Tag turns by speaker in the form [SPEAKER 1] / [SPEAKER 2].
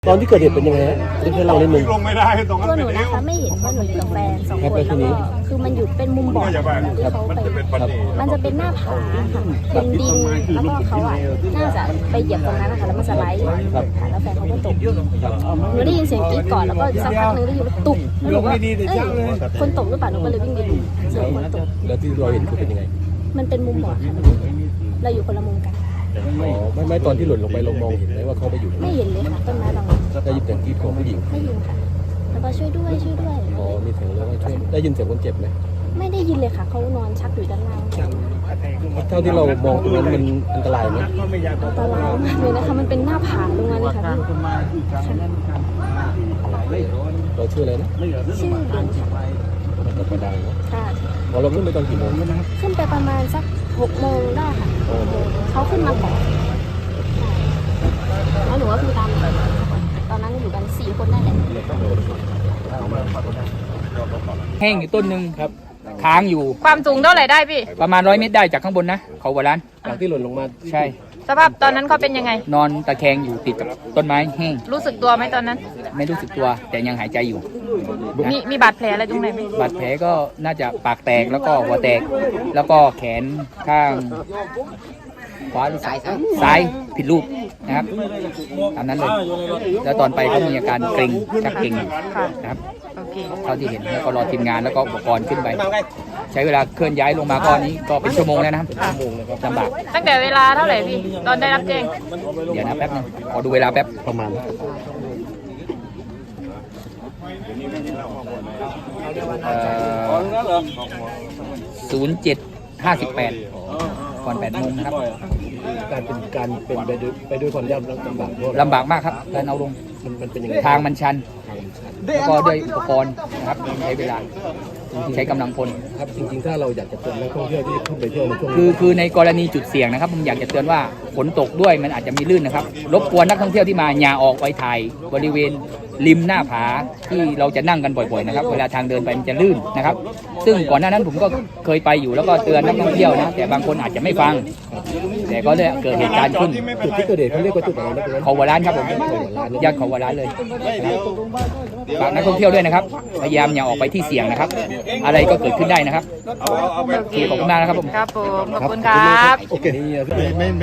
[SPEAKER 1] ตอนที่เกิดเหตุเป็นยังไงฮะให้เราเล่นมึง
[SPEAKER 2] ลงไม่ได้ตรงนั้น
[SPEAKER 3] ตัวหนูนะคะไม่เห็นว่าหนูอยู่กับแฟน2 คนแล้วก็คือมันอยู่เป็นมุมบ่อที่เขาไปมันจะเป็นหน้าผาค่ะเป็นดินแล้วก็เขาอ่ะน่าจะไปเหยียบตรงนั้นนะคะแล้วมันสไลด์ค่ะแล้วแฟนเขาก็ตกหนูได้ยินเสียงกรี๊ดก่อนแล้วก็สักพักนึงได้ยินว่าตุกหนูว่าคนตกหรือเปล่าหนูก็เลยวิ่งไปดูเสียงคนตก
[SPEAKER 1] แล้วที่เราเห็นคือเป็นยังไง
[SPEAKER 3] มันเป็นมุมบ่อค่ะเราอยู่คนละมุมกัน
[SPEAKER 1] อ๋อไม่ตอนที่หล่นลงไปเรามองเห็นไหมว่าเขาไปอยู่
[SPEAKER 3] ไม่เห็นเลยค่ะต้นไม้บาง
[SPEAKER 1] ได้ยินเสียงกรี๊ดของผู้หญิง
[SPEAKER 3] ไม่ยินค่ะแล้วก็ช่วยด้วย
[SPEAKER 1] อ๋อมีเสียงแล้วก็ช่วยได้ยินเสียงคนเจ็บไหม
[SPEAKER 3] ไม่ได้ยินเลยค่ะเขานอนชักอยู่ด้านล่าง
[SPEAKER 1] เท่าที่เรามองตรงนั้นมันอันตรายไหม
[SPEAKER 3] อันตรายมากเลยนะคะมันเป็นหน้าผาตรงนั้นเลยค่ะ
[SPEAKER 1] เราชื่ออะไรนะ
[SPEAKER 3] ชื่อเบนค่ะ
[SPEAKER 1] เราไปดังนะ
[SPEAKER 3] ค่ะ
[SPEAKER 1] เราขึ้นไปตอนกี่โมง
[SPEAKER 3] ขึ้นไปประมาณสัก6 โมงได้ค่ะเขาขึ้นมาก่อนแล้วหนูก็คือตามตอนนั้นอยู่กัน4 คนนั่นแหละ
[SPEAKER 4] แห้งอยู่ต้นหนึ่งครับค้างอยู่
[SPEAKER 5] ความสูงเท่าไหร่ได้พี่
[SPEAKER 4] ประมาณ100 เมตรได้จากข้างบนนะเขาหัวร้าน
[SPEAKER 1] จากที่หล่นลงมา
[SPEAKER 4] ใช่
[SPEAKER 5] สภาพตอนนั้นเขาเป็นยังไง
[SPEAKER 4] นอนตะแคงอยู่ติดกับต้นไม้แห้ง
[SPEAKER 5] รู้สึกตัวไหมตอนนั้น
[SPEAKER 4] ไม่รู้สึกตัวแต่ยังหายใจอยู่
[SPEAKER 5] มีบาดแผลอะไรตรงไหนไหม
[SPEAKER 4] บาดแผลก็น่าจะปากแตกแล้วก็หัวแตกแล้วก็แขนข้างขวาหรือซ้ายผิดรูปนะครับตามนั้นเลยแล้วตอนไปก็มีอาการเกร็งชักเกร็งนะครับเท่าที่เห็นแล้วก็รอทีมงานแล้วก็อุปกรณ์ขึ้นไปใช้เวลาเคลื่อนย้ายลงมาก้อนนี้ก็เป็นชั่วโมงแล้วนะครับลำบาก
[SPEAKER 5] ตั้งแต่เวลาเท่าไหร่พี่ตอนได้รับแจ้ง
[SPEAKER 4] เดี๋ยวนะแป๊บนึงขอดูเวลาแป๊บ
[SPEAKER 1] ประมาณ
[SPEAKER 4] 07:58ก่อน8 โมงนะครับ
[SPEAKER 1] การเป็นไปด้วยความยาก
[SPEAKER 4] ลำบากมากครับการเอาลง
[SPEAKER 1] มันเป็นยังไง
[SPEAKER 4] ทางมันชันแล้วก็ด้วยอุปกรณ์นะครับใช้เวลาใช้กำลังพล
[SPEAKER 1] ครับจริงๆถ้าเราอยากจะเตือนนักท่องเที่ยวที่ขึ้นไปเที่ยวในช่วง
[SPEAKER 4] คือในกรณีจุดเสี่ยงนะครับผมอยากจะเตือนว่าฝนตกด้วยมันอาจจะมีลื่นนะครับรบกวนนักท่องเที่ยวที่มาอย่าออกไปถ่ายบริเวณริมหน้าผาที่เราจะนั่งกันบ่อยๆนะครับเวลาทางเดินไปมันจะลื่นนะครับซึ่งก่อนหน้านั้นผมก็เคยไปอยู่แล้วก็เตือนนักท่องเที่ยวนะแต่บางคนอาจจะไม่ฟังแต่ก็เลยเกิดเหตุการณ์ขึ้น
[SPEAKER 1] จุดที่เกิดเหตุเขาเรียกว่าจุดอะไรนะ
[SPEAKER 4] เขาหัวร้านครับผมญาติเขาหัวร้านเลยฝากนักท่องเที่ยวด้วยนะครับพยายามอย่าออกไปที่เสี่ยงนะครับอะไรก็เกิดขึ้นได้นะครับขอบคุณมากนะครับผม
[SPEAKER 5] ครับผมขอบคุณครับ
[SPEAKER 1] โอเค